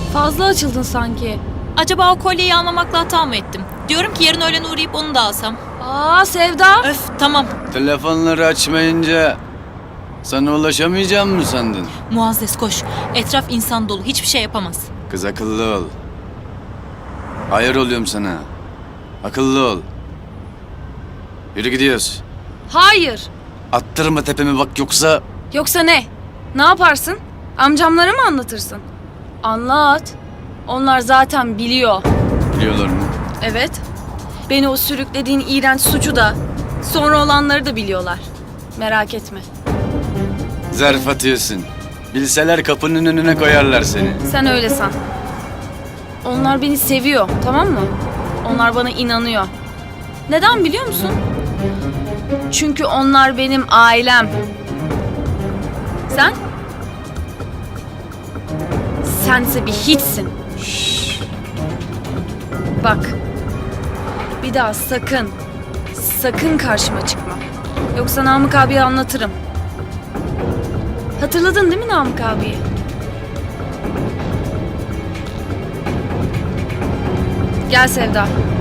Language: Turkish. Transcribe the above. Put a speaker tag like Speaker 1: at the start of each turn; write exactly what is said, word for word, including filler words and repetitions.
Speaker 1: Fazla açıldın sanki.
Speaker 2: Acaba o kolyeyi almamakla hata mı ettim? Diyorum ki yarın öğlen uğrayıp onu da alsam.
Speaker 1: Aa Sevda.
Speaker 2: Öf tamam.
Speaker 3: Telefonları açmayınca sana ulaşamayacağım mı sandın?
Speaker 2: Muazzez koş. Etraf insan dolu. Hiçbir şey yapamaz.
Speaker 3: Kız akıllı ol. Hayır oluyorum sana. Akıllı ol. Yürü gidiyoruz.
Speaker 1: Hayır.
Speaker 3: Attırma tepemi bak yoksa...
Speaker 1: Yoksa ne? Ne yaparsın? Amcamlara mı anlatırsın? Anlat. Onlar zaten biliyor.
Speaker 3: Biliyorlar mı?
Speaker 1: Evet. Beni o sürüklediğin iğrenç suçu da, sonra olanları da biliyorlar. Merak etme.
Speaker 3: Zarf atıyorsun. Bilseler kapının önüne koyarlar seni.
Speaker 1: Sen öyle san. Onlar beni seviyor, tamam mı? Onlar bana inanıyor. Neden biliyor musun? Çünkü onlar benim ailem. Sen? Sense bir hiçsin. Bak. Bir daha sakın, sakın karşıma çıkma. Yoksa Namık abiye anlatırım. Hatırladın değil mi Namık abiyi? Gel Sevda.